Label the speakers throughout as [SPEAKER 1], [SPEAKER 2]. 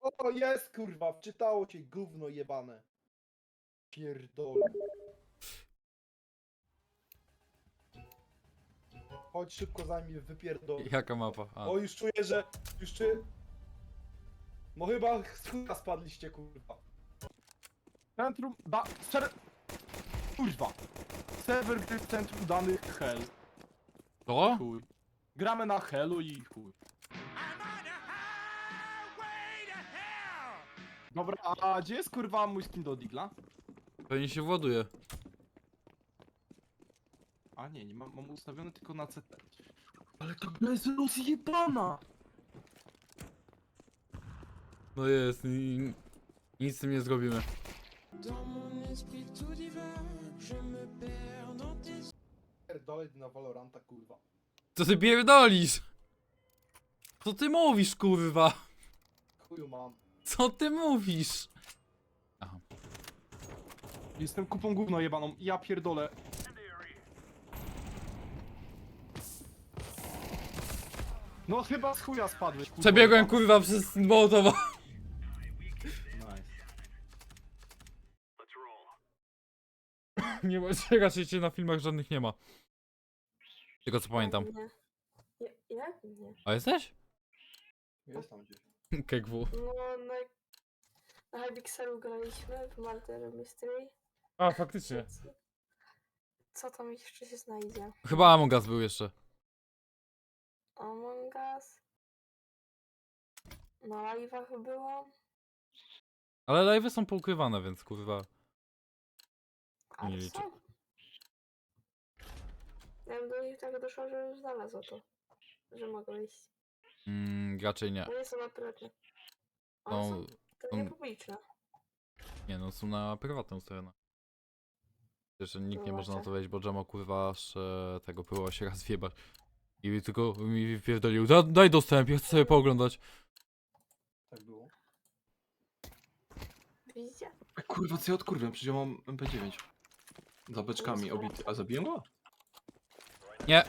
[SPEAKER 1] O, jest kurwa, wczytało cię gówno jebane. Pierdolę. Chodź szybko zajmij, wypierdol.
[SPEAKER 2] Jaka mapa? A.
[SPEAKER 1] O, już czuję, że... Już czuję... No chyba z chuja spadliście, kurwa.
[SPEAKER 3] Centrum Kurwa. Serwer gry w centrum danych Hell.
[SPEAKER 2] To?
[SPEAKER 3] Chuj. Gramy na Hellu i chuj. Dobra, a gdzie jest kurwa mój skin do Digla?
[SPEAKER 2] Pewnie się właduje.
[SPEAKER 3] A nie mam ustawiony tylko na CT. Ale to gra jest rozjebana!
[SPEAKER 2] No jest, nic z tym nie zrobimy.
[SPEAKER 1] Pierdolę na Valoranta, kurwa.
[SPEAKER 2] Co ty pierdolisz? Co ty mówisz, kurwa?
[SPEAKER 1] Chuju mam.
[SPEAKER 2] Co ty mówisz? Aha.
[SPEAKER 3] Jestem kupą gówno jebaną, ja pierdolę. No chyba z chuja spadłeś, kurwa.
[SPEAKER 2] Przebiegłem,
[SPEAKER 3] jebana.
[SPEAKER 2] kurwa, przez Mołotowa.
[SPEAKER 3] Nice.
[SPEAKER 2] Nie ma, raczej cię na filmach żadnych nie ma. Tylko co pamiętam.
[SPEAKER 4] Nie. Jak nie?
[SPEAKER 2] A jesteś?
[SPEAKER 1] Jest tam gdzieś.
[SPEAKER 2] KGW.
[SPEAKER 4] No, na Hypixelu graliśmy w Murder Mystery.
[SPEAKER 2] A, faktycznie.
[SPEAKER 4] Co tam jeszcze się znajdzie?
[SPEAKER 2] Chyba Among Us był jeszcze.
[SPEAKER 4] Among Us. Na live'ach było.
[SPEAKER 2] Ale live'y są poukrywane, więc kurwa.
[SPEAKER 4] A
[SPEAKER 2] Nie liczę.
[SPEAKER 4] co? Ja bym do nich tak doszła, że już znalazło to. Że mogę iść.
[SPEAKER 2] Raczej nie.
[SPEAKER 4] Bo nie są na prywatne.
[SPEAKER 2] No,
[SPEAKER 4] One są to nie
[SPEAKER 2] są-
[SPEAKER 4] publiczne.
[SPEAKER 2] Nie no, są na prywatną ustawione. Jeszcze nikt nie można na to
[SPEAKER 4] Zobaczę.
[SPEAKER 2] wejść, bo Jamo kurwa aż tego próbował się raz wjebać. I tylko mi wypierdolił. Daj dostęp, ja chcę sobie pooglądać.
[SPEAKER 1] Tak było.
[SPEAKER 4] Widzicie?
[SPEAKER 3] Kurwa, co ja odkurwiam? Przecież ja mam MP9. Za beczkami obity. A zabiłem go?
[SPEAKER 2] Nie.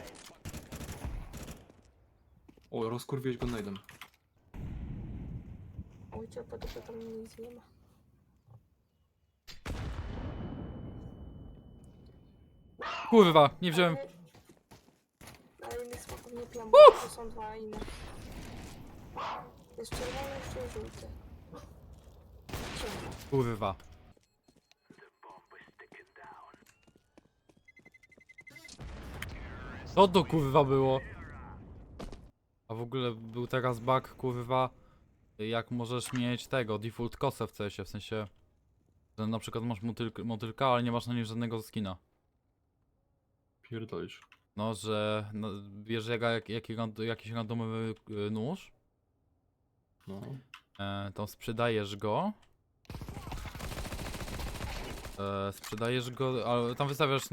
[SPEAKER 3] O, rozkurwiłeś go najdem.
[SPEAKER 4] Ujcie, po to tam nic nie ma.
[SPEAKER 2] Kurwa, nie wziąłem.
[SPEAKER 4] Ale innych smaków nie pijam, bo to są dwa inne. Jest czerwony, jeszcze jest żółty. Ciemno.
[SPEAKER 2] Kurwa. Co to kurwa było? A w ogóle był teraz bug kurwa. Jak możesz mieć tego, default kosę w CS-ie, w sensie. Że na przykład masz motylka, ale nie masz na nim żadnego skina.
[SPEAKER 3] Pierdolisz.
[SPEAKER 2] No, że no, bierze jakiś randomowy nóż,
[SPEAKER 3] No.
[SPEAKER 2] to sprzedajesz go. Sprzedajesz go, ale tam wystawiasz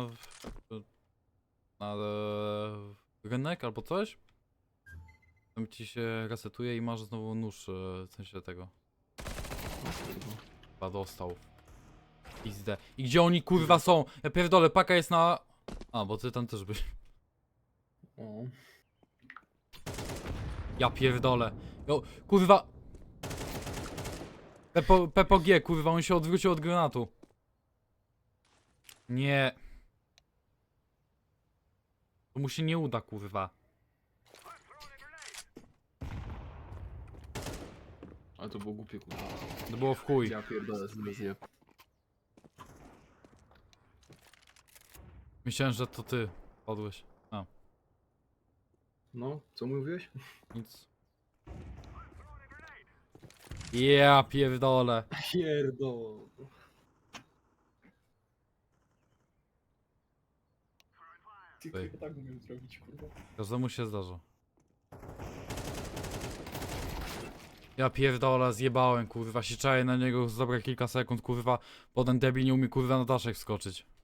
[SPEAKER 2] na rynek albo coś. Tam ci się resetuje i masz znowu nóż, w sensie tego. Chyba dostał. XD. I gdzie oni kurwa są? Ja pierdolę, paka jest na... A, bo ty tam też byś.
[SPEAKER 3] O.
[SPEAKER 2] Ja pierdolę. Jo, kurwa. Pepo G, kurwa, on się odwrócił od granatu. Nie. To mu się nie uda, kurwa.
[SPEAKER 3] Ale to było głupie, kurwa.
[SPEAKER 2] To było w chuj.
[SPEAKER 3] Ja pierdolę, zjeb.
[SPEAKER 2] Myślałem, że to ty padłeś. A,
[SPEAKER 3] No, co mówiłeś?
[SPEAKER 2] nic. Ja pierdolę.
[SPEAKER 3] Pierdol.
[SPEAKER 2] Ej.
[SPEAKER 1] Tak umiem zrobić, kurwa.
[SPEAKER 2] Każdemu się zdarza. Ja pierdolę, zjebałem, kurwa, się czaję na niego za dobre kilka sekund, kurwa. Potem debil nie umie, kurwa, na daszek wskoczyć.